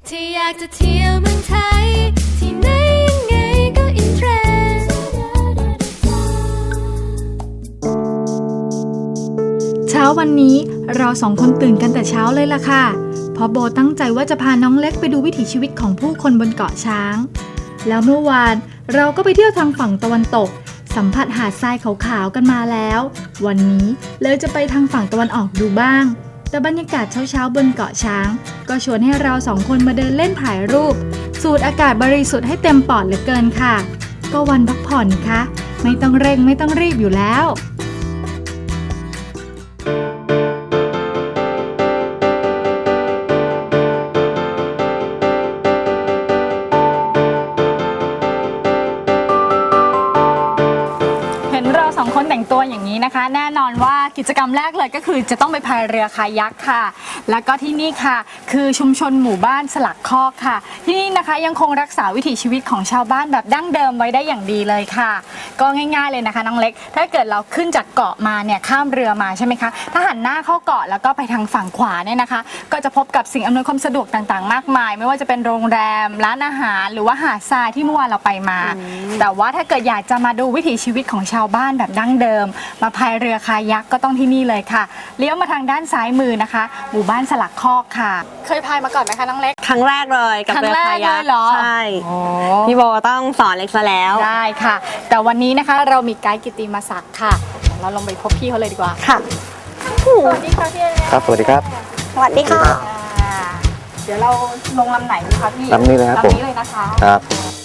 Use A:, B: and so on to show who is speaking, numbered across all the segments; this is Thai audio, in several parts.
A: ที่อยากจะเที่ยวเมืองไทยที่ไหนยังไงก็อินเทรนด์
B: เช้าวันนี้เราสองคนตื่นกันแต่เช้าเลยล่ะค่ะเพราะโบตั้งใจว่าจะพาน้องเล็กไปดูวิถีชีวิตของผู้คนบนเกาะช้างแล้วเมื่อวานเราก็ไปเที่ยวทางฝั่งตะวันตกสัมผัสหาดทรายขาวๆกันมาแล้ววันนี้เลยจะไปทางฝั่งตะวันออกดูบ้างแต่บรรยากาศเช้าๆบนเกาะช้างก็ชวนให้เราสองคนมาเดินเล่นถ่ายรูปสูดอากาศบริสุทธิ์ให้เต็มปอดเหลือเกินค่ะก็วันพักผ่อนคะไม่ต้องเร่งไม่ต้องรีบอยู่แล้วคนแต่งตัวอย่างนี้นะคะแน่นอนว่ากิจกรรมแรกเลยก็คือจะต้องไปพายเรือคายักค่ะแล้วก็ที่นี่ค่ะคือชุมชนหมู่บ้านสลักคอกค่ะที่นี่นะคะยังคงรักษาวิถีชีวิตของชาวบ้านแบบดั้งเดิมไว้ได้อย่างดีเลยค่ะก็ง่ายๆเลยนะคะน้องเล็กถ้าเกิดเราขึ้นจากเกาะมาเนี่ยข้ามเรือมาใช่ไหมคะถ้าหันหน้าเข้าเกาะแล้วก็ไปทางฝั่งขวาเนี่ยนะคะก็จะพบกับสิ่งอำนวยความสะดวกต่างๆมากมายไม่ว่าจะเป็นโรงแรมร้านอาหารหรือว่าหาดทรายที่เมื่อวานเราไปมาแต่ว่าถ้าเกิดอยากจะมาดูวิถีชีวิตของชาวบ้านแบบดั้งเดิมมาพายเรือคายักก็ต้องที่นี่เลยค่ะเลี้ยวมาทางด้านซ้ายมือนะคะหมู่บ้านสลักคอกค่ะเคยพายมาก่อนไหมคะน้องเล็ก
C: ครั้งแรกเลยกับเรือคายักใช่พี่โบต้องสอนเล็กซะแล้ว
B: ได้ค่ะแต่วันนี้นะคะเรามีไกด์กิตติมศักดิ์ค่ะเราลงไปพบพี่เขาเลยดีกว่า
C: ค่ะ
B: สวัสดีค่ะพี่
D: ครับสวัสดีครับ
C: สวัสดีค่ะ
B: เดี๋ยวเราลงลำไหนดีคะพี่
D: ลำนี้เลยครับ
B: ลำนี้เลยนะคะ
D: ครับ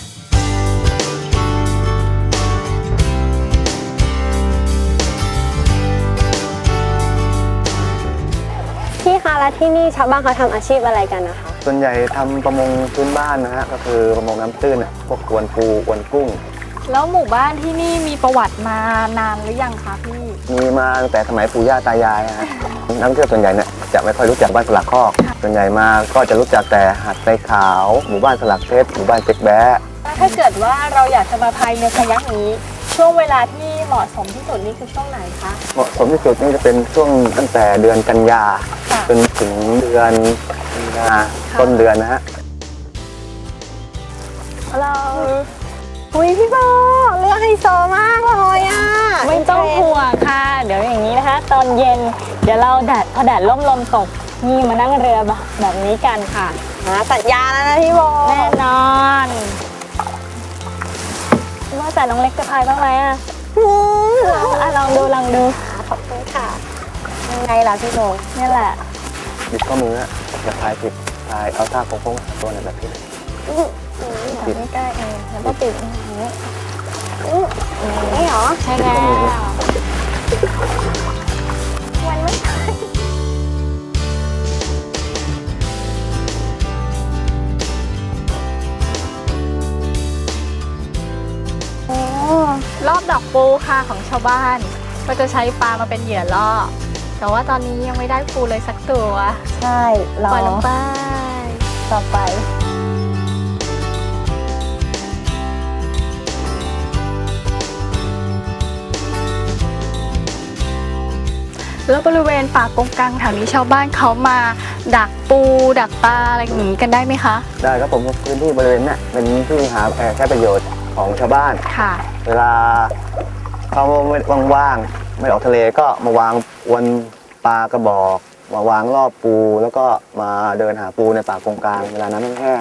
C: พี่คะแล้วที่นี่ชาวบ้านเขาทำอาชีพอะไรกันนะคะ
D: ส่วนใหญ่ทำประมงพื้นบ้านนะฮะก็คือประมงน้ำตื้นพวกอวนปูอวนกุ้ง
B: แล้วหมู่บ้านที่นี่มีประวัติมานานหรือยังคะพี่
D: มีมาตั้งแต่สมัยปู่ย่าตายายฮะนักท่องเที่ยวส่วนใหญ่เนี่ยจะไม่ค่อยรู้จักบ้านสลักคอกส่วนใหญ่มาก็จะรู้จักแต่หาดทรายขาวหมู่บ้านสลักเพชรหมู่บ้านเจ๊กแบ๊ะ
B: ถ้าเกิดว่าเราอยากจะมาพายเรือคายักนี้ช่วงเวลาที่เหมาะสมที่สุดนี่คือช่วงไหนคะ
D: เหมาะสมที่สุดนี่จะเป็นช่วงตั้งแต่เดือนกันยาจนถึงเดือนมีนาต้นเดือนนะฮะ
C: เราอุ้ยพี่โบเรือไฮโซมากเลยอ่ะ
B: ไม่ต้องห่วงค่ะเดี๋ยวอย่างนี้นะคะตอนเย็นเดี๋ยวเราพอแดดร่มลมตกนี่มานั่งเรือแบบนี้กันค่ะ
C: สัญญาแล้วนะพี่โบ
B: แน่นอนว่าแต่น้องเล็กจะพายบ้างไหมอ่ะลองดู
C: ขอบคุณค่ะยังไงล่ะพี่โบ
B: นี่แหละ
D: บิดข้อมือจะพายผิดพายเอาท่าโค้งๆตัวนั้นแบบนี้
B: ติดไม่ใกล้แล้วก็ติดอย่างนี้
C: นี่เหรอ
B: ใช่แล้ว
C: วันไม่ทัน
B: รอบดอกปูค่ะของชาวบ้านก็จะใช้ปลามาเป็นเหยื่อล่อแต่ว่าตอนนี้ยังไม่ได้ปูเลยสักตัว
C: ใช่
B: ปล่อยลงไป
C: ต่อไป
B: แล้วบริเวณป่ากงกังแถวนี้ชาวบ้านเขามาดักปูดักปลาอะไรอย่างนี้กันได้ไหมคะ
D: ได้ครับผมพื้นที่บริเวณนี้เป็นที่หาใช้ประโยชน์ของชาวบ้าน
B: ค่ะ
D: เวลาเขาว่างๆไม่ออกทะเลก็มาวางอวนปลากระบอกมาวางรอบปูแล้วก็มาเดินหาปูในป่ากงกลางเวลาน้ำแห้ง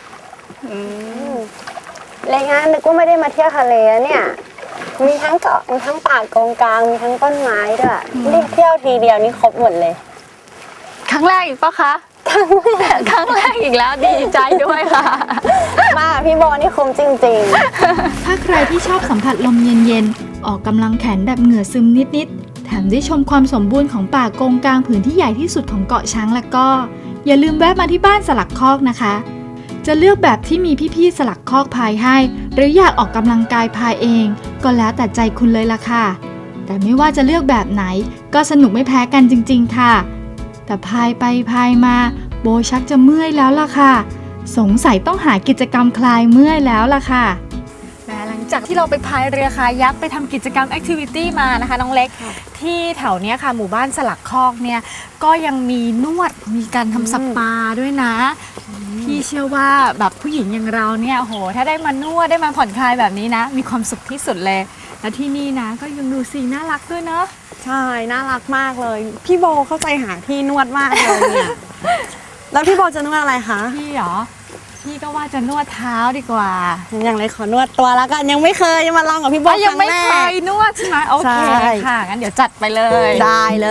C: รายงานนึกว่าไม่ได้มาเที่ยวทะเลเนี่ยมีทั้งเกาะมีทั้งป่ากงกลางมีทั้งต้นไม้ด้วยนี่เที่ยวทีเดียวนี่ครบหมดเลย
B: ครั้งแรกอีกปะคะครั้งแรกอีกแล้วดีใจด้วยค่ะ
C: มาพี่โบนี่คุ้มจริง
B: ๆถ้าใครที่ชอบสัมผัสลมเย็นๆออกกำลังแขนแบบเหงื่อซึมนิดๆแถมได้ชมความสมบูรณ์ของป่ากงกลางผืนที่ใหญ่ที่สุดของเกาะช้างแล้วก็อย่าลืมแวะมาที่บ้านสลักคอกนะคะจะเลือกแบบที่มีพี่ๆสลักคอกพายให้หรืออยากออกกำลังกายพายเองก็แล้วแต่ใจคุณเลยล่ะค่ะแต่ไม่ว่าจะเลือกแบบไหนก็สนุกไม่แพ้กันจริงๆค่ะแต่พายไปพายมาโบชักจะเมื่อยแล้วล่ะค่ะสงสัยต้องหากิจกรรมคลายเมื่อยแล้วล่ะค่ะหลังจากที่เราไปพายเรือคายักไปทำกิจกรรมแอคทิวิตี้มานะคะน้องเล็กที่แถวนี้ค่ะหมู่บ้านสลักคอกเนี่ยก็ยังมีนวดมีการทำสปาด้วยนะพี่เชื่อว่าแบบผู้หญิงอย่างเราเนี่ยโหถ้าได้มานวดได้มาผ่อนคลายแบบนี้นะ มีความสุขที่สุดเลยแล้วที่นี่นะก็ยังดูสิน่ารักด้วยเนาะ
C: ใช่น่ารักมากเลย พี่โบเข้าใจหาที่นวดมากเลยเนี่ย แล้วพี่โบจะนวดอะไรคะ
B: พี่เหรอพี่ก็ว่าจะนวดเท้าดีกว่า
C: อย่างไรขอนวดตัวแล้วกันยังไม่เคยมาลองกับพี่โบ
B: ยังไม่
C: รั้
B: เค
C: แรก
B: ยนวดใช่ไหมโอเค
C: ใช่
B: ค่ะงั้นเดี๋ยวจัดไปเลย
C: ได้เลย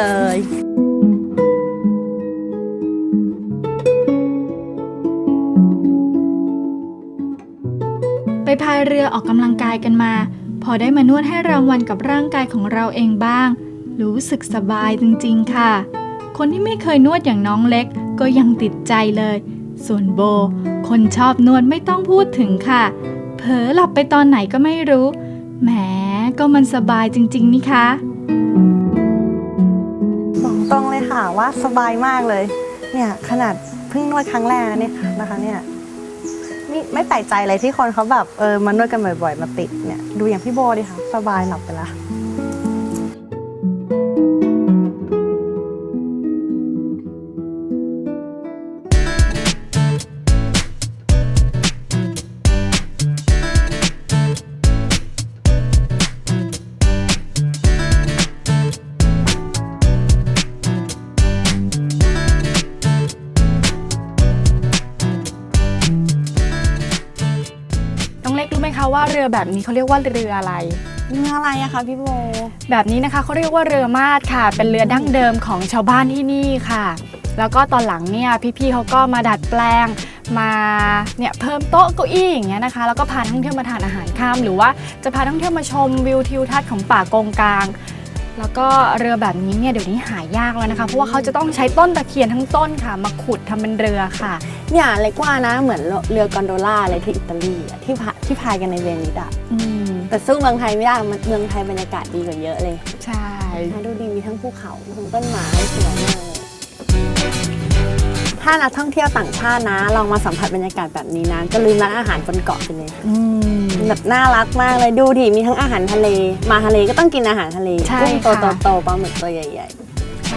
B: ไปพายเรือออกกำลังกายกันมา พอได้มานวดให้รางวัลกับร่างกายของเราเองบ้าง รู้สึกสบายจริงๆค่ะ คนที่ไม่เคยนวดอย่างน้องเล็กก็ยังติดใจเลย ส่วนโบ คนชอบนวดไม่ต้องพูดถึงค่ะ เผลอหลับไปตอนไหนก็ไม่รู้ แหมก็มันสบายจริงๆนี่คะ
C: บอกตรงเลยค่ะว่าสบายมากเลย เนี่ยขนาดเพิ่งนวดครั้งแรกเนี่ยนะคะเนี่ยไม่แปลกใจเลยที่คนเขาแบบมานวดกันบ่อยๆมาติดเนี่ยดูอย่างพี่โบดิค่ะสบายหลับไปละ
B: น้องเล็กรู้ไหมคะว่าเรือแบบนี้เขาเรียกว่าเรืออะไร
C: เนื้ออะไรอะคะพี่โบ
B: แบบนี้นะคะเขาเรียกว่าเรือมาดค่ะ เป็นเรือดั้งเดิมของชาวบ้านที่นี่ค่ะ แล้วก็ตอนหลังเนี่ยพี่ๆเขาก็มาดัดแปลงมาเนี่ยเพิ่มโต๊ะเก้าอี้อย่างเงี้ยนะคะ แล้วก็พานักท่องเที่ยวมาทานอาหารค่ำหรือว่าจะพานักท่องเที่ยวมาชมวิวทิวทัศน์ของป่าโกงกางแล้วก็เรือแบบนี้เนี่ยเดี๋ยวนี้หายากแล้วนะคะเพราะว่าเขาจะต้องใช้ต้นตะเคียนทั้งต้นค่ะมาขุดทำเป็นเรือค่ะ
C: เนี่ยเล็กว่านะเหมือนเรือกอนโดล่าอะไรที่อิตาลีอะที่พายกันในเวนิสอะ
B: อืม
C: แต่สู้เมืองไทยไม่ได้เมืองไทยบรรยากาศดีกว่าเยอะเลย
B: ใช่
C: ดูดีมีทั้งภูเขาทั้งต้นไม้สวยมากเลยถ้านักท่องเที่ยวต่างชาตินะลองมาสัมผัสบรรยากาศแบบนี้นะก็ลืมร้านอาหารบนเกาะไปเลย
B: อืม
C: แบบน่ารักมากเลยดูดิมีทั้งอาหารทะเลมาทะเลก็ต้องกินอาหารทะเล
B: ใช่
C: กุ้ง
B: ค่ะ
C: โตๆปลาหมึกตัวใหญ่
B: ใช่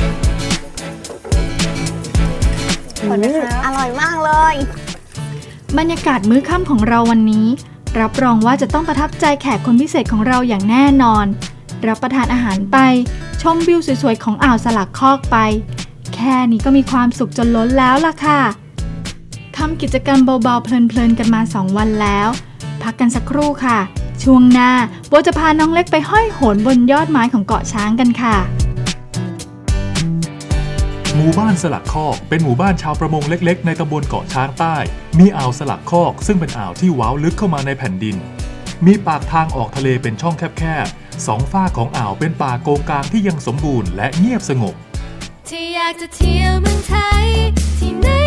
C: ๆ
B: ขอบคุณนะคะ
C: อร่อยมากเลย
B: บรรยากาศมื้อค่ำของเราวันนี้ รับรองว่าจะต้องประทับใจแขกคนพิเศษของเราอย่างแน่นอน รับประทานอาหารไป ชมวิวสวยๆของอ่าวสลักคอกไป แค่นี้ก็มีความสุขจนล้นแล้วล่ะค่ะทำกิจกรรมเบาๆเพลินๆกันมา 2 วันแล้ว พักกันสักครู่ค่ะ ช่วงหน้าโบจะพาน้องเล็กไปห้อยโหนบนยอดไม้ของเกาะช้างกันค่ะ
E: หมู่บ้านสลักคอกเป็นหมู่บ้านชาวประมงเล็กๆในตำบลเกาะช้างใต้ มีอ่าวสลักคอกซึ่งเป็นอ่าวที่ว้าวลึกเข้ามาในแผ่นดิน มีปากทางออกทะเลเป็นช่องแคบๆสองฝ้ากของอ่าวเป็นป่าโกงกางที่ยังสมบูรณ์และเงียบสงบ
A: ที่อยากจะเที่ยวเมืองไทย ที่ไหน